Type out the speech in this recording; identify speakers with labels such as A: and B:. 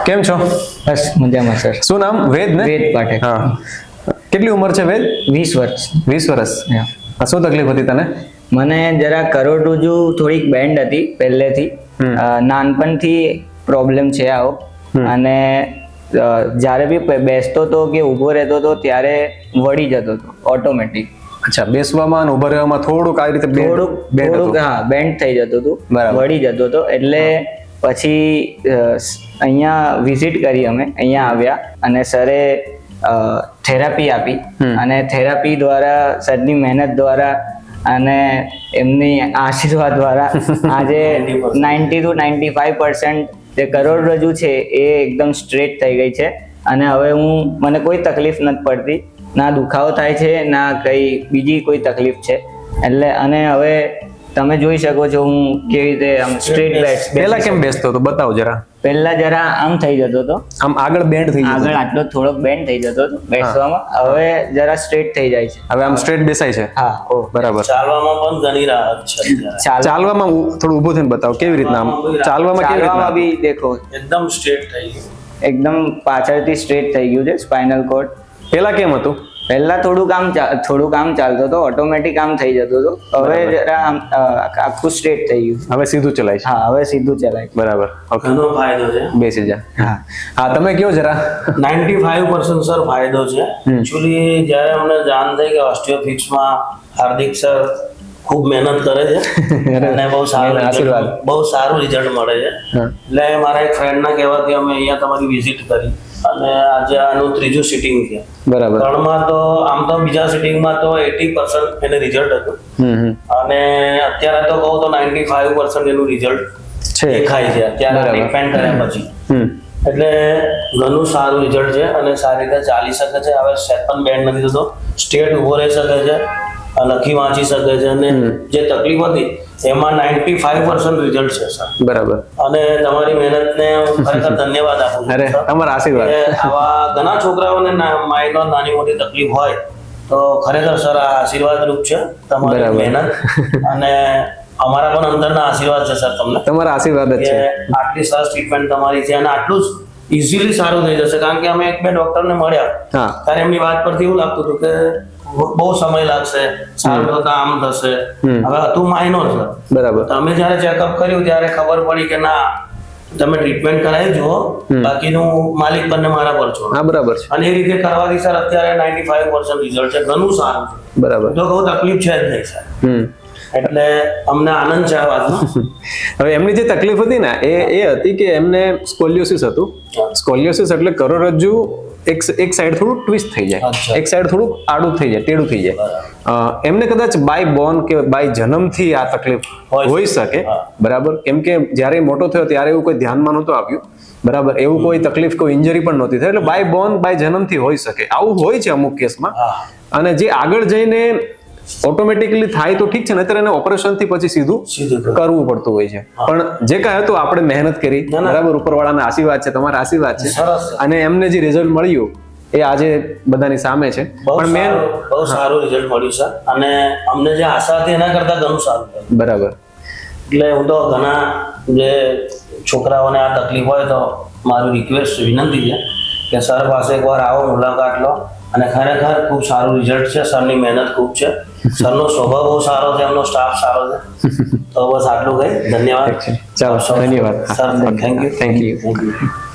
A: કેમ છો?
B: બસ મજામાં સર.
A: શું નામ? વેદ ને?
B: વેદ પાઠક.
A: હા. કેટલી ઉંમર છે વેદ?
B: 20 વર્ષ.
A: 20 વર્ષ.
B: હા.
A: શું તકલીફ હતી તને?
B: મને જરા કરોડરજ્જુ થોડીક બેન્ડ હતી પહેલેથી. નાનપણથી પ્રોબ્લેમ છે આવો. અને જ્યારે બી બેસતો હતો કે ઊભો રહેતો હતો ત્યારે વળી જતો હતો ઓટોમેટિક.
A: અચ્છા, બેસવામાં અને ઊભા રહેવામાં થોડુંક આ રીતે
B: થોડુંક હા બેન્ડ થઈ જતું હતું, વળી જતો હતો. એટલે પછી અહીંયા વિઝિટ કરી, અમે અહીંયા આવ્યા અને સરે થેરાપી આપી. અને થેરાપી દ્વારા, સરની મહેનત દ્વારા અને એમની આશીર્વાદ દ્વારા આજે 90 to 95% જે કરોડરજ્જુ છે એ એકદમ સ્ટ્રેટ થઈ ગઈ છે. અને હવે મને કોઈ તકલીફ નથી પડતી, ના દુખાવો થાય છે ના કઈ બીજી કોઈ તકલીફ છે. એટલે અને હવે તમે જોઈ શકો છો હું કેવી રીતે આમ સ્ટ્રેટ બેઠ.
A: પહેલા કેમ બેસતો હતો બતાવો જરા.
B: પહેલા જરા આમ થઈ જતો હતો,
A: આમ આગળ બેન્ડ થઈ જતો,
B: આગળ આટલો થોડોક બેન્ડ થઈ જતો હતો બેસવામાં. હવે જરા સ્ટ્રેટ થઈ જાય છે.
A: હવે આમ સ્ટ્રેટ બેસાય છે.
B: હા, ઓ
A: બરાબર.
C: ચાલવામાં પણ ઘણી રાહત છે.
A: ચાલવામાં થોડું ઊભું થઈને બતાવો કેવી રીતના આમ ચાલવામાં કેવી રીતના
B: બી દેખો
C: એકદમ સ્ટ્રેટ થઈ ગયું,
B: એકદમ પાછળથી સ્ટ્રેટ થઈ ગયું છે સ્પાઇનલ કોર્ડ.
A: પહેલા કેમ હતું?
B: પહેલા થોડુંક આમ ચાલતો હતો, ઓટોમેટિક આમ થઈ જતો હતો. હવે જરા આમ આખું સ્ટ્રેટ થઈ ગયું.
A: હવે સીધું ચલાય છે.
B: હા, હવે સીધું ચલાય છે.
A: બરાબર. ઓકે,
C: ઘણો ફાયદો છે.
A: બેસી જા.
B: હા
A: હા, તમે કયો જરા.
C: 95% સર ફાયદો છે. એકચ્યુઅલી જ્યારે અમને જાણ થઈ કે ઓસ્ટિયોફિક્સમાં હાર્દિક સર ખૂબ મહેનત કરે છે અને બહુ સારું રિઝલ્ટ મળે છે. એટલે મારા એક ફ્રેન્ડના કહેવાથી અમે અહીંયા તમારી વિઝિટ કરી અને આજે આનું ત્રીજું સિટિંગ છે.
A: બરાબર.
C: 3માં તો આમ તો બીજા સિટિંગમાં તો 80% એને રિઝલ્ટ હતું અને અત્યારે તો કહું તો 95% એનું રિઝલ્ટ દેખાય છે અત્યારે ટ્રીટમેન્ટ કર્યા પછી. એટલે ઘણું સારું રિઝલ્ટ છે અને સારી રીતે ચાલી શકે છે. હવે સેટ પણ બેન્ડ નથી થતો, સ્ટ્રેટ ઊભો રહી શકે છે, લખી વાંચી શકે છે અને જે તકલીફ હતી એમાં 95% રિઝલ્ટ છે સર.
A: બરાબર.
C: અને તમારી મહેનતને હું ખરેખર ધન્યવાદ આપું છું.
A: અરે તમારા આશીર્વાદ.
C: આવા ઘણા છોકરાઓને માઇન્ડમાં નાની મોટી તકલીફ હોય તો ખરેખર સર આ આશીર્વાદ રૂપ છે તમારી મહેનત. અને અમારા પણ અંદરના આશીર્વાદ છે સર તમને. તમારા આશીર્વાદ જ છે. આટલી સરસ ટ્રીટમેન્ટ તમારી છે અને આટલું જ ઇઝીલી સારું થઈ જશે. કારણ કે અમે એક બે ડોક્ટરને મળ્યા ત્યારે એમની વાત પરથી એવું લાગતું હતું કે બહુ સમય લાગશે, સારું થતા આમ થશે. હવે હતું માઇનોર છે. બરાબર. તમે જયારે ચેકઅપ કર્યું ત્યારે ખબર પડી કે ના, તમે ટ્રીટમેન્ટ કરાવી જુઓ, બાકીનું માલિક બંને મારા પર છો. હા, બરાબર છે. અને એ રીતે કરવાથી સર અત્યારે 95% રિઝલ્ટ છે, ઘણું સારું છે. બરાબર. તો કહું તકલીફ છે જ નહીં સર. એટલે અમને આનંદ છે આ વાતનો.
A: હવે એમની જે તકલીફ હતી ને એ હતી કે એમને સ્કોલિયોસિસ હતું. સ્કોલિયોસિસ એટલે કરોડરજ્જુ એક સાઈડ થોડું ટ્વિસ્ટ થઈ જાય, એક સાઈડ થોડું આડું થઈ જાય, ટેઢું થઈ જાય. એમને કદાચ બાય બોર્ન કે બાય જન્મથી આ તકલીફ હોઈ શકે. બરાબર. કેમ કે જ્યારે મોટો થયો ત્યારે એવું કોઈ ધ્યાનમાં નહોતું આવ્યું. બરાબર. એવું કોઈ તકલીફ, કોઈ ઇન્જરી પણ નહોતી થઈ. એટલે બાય બોર્ન બાય જન્મથી હોઈ શકે. આવું હોય છે અમુક કેસમાં. અને જે આગળ જઈને ઓટોમેટિકલી થાય તો ઠીક છે, નહીતર એને ઓપરેશન થી પછી સીધું કરવું પડતું હોય છે. પણ જે કાંઈ હતું આપણે મહેનત કરી. બરાબર. ઉપરવાળાના આશીર્વાદ છે, તમારા આશીર્વાદ છે. અને એમને જે રિઝલ્ટ મળ્યું એ આજે બધાની સામે છે. પણ
C: બહુ સારું રિઝલ્ટ મળ્યું છે અને અમને જે આશા હતી એના કરતા ઘણું સારું.
A: બરાબર.
C: એટલે હું તો ઘણા જે છોકરાઓને આ તકલીફ હોય તો મારું રિક્વેસ્ટ, વિનંતી છે કે સર પાસે એકવાર આવો, મુલાકાત લો. અને ખરેખર ખૂબ સારું રિઝલ્ટ છે. સરની મહેનત ખૂબ છે, સરનો સ્વભાવ બહુ સારો છે, એમનો સ્ટાફ સારો છે. તો બસ આટલું કહી ધન્યવાદ.
A: ચાલો, ધન્યવાદ
C: sir. Thank you.
A: Thank you.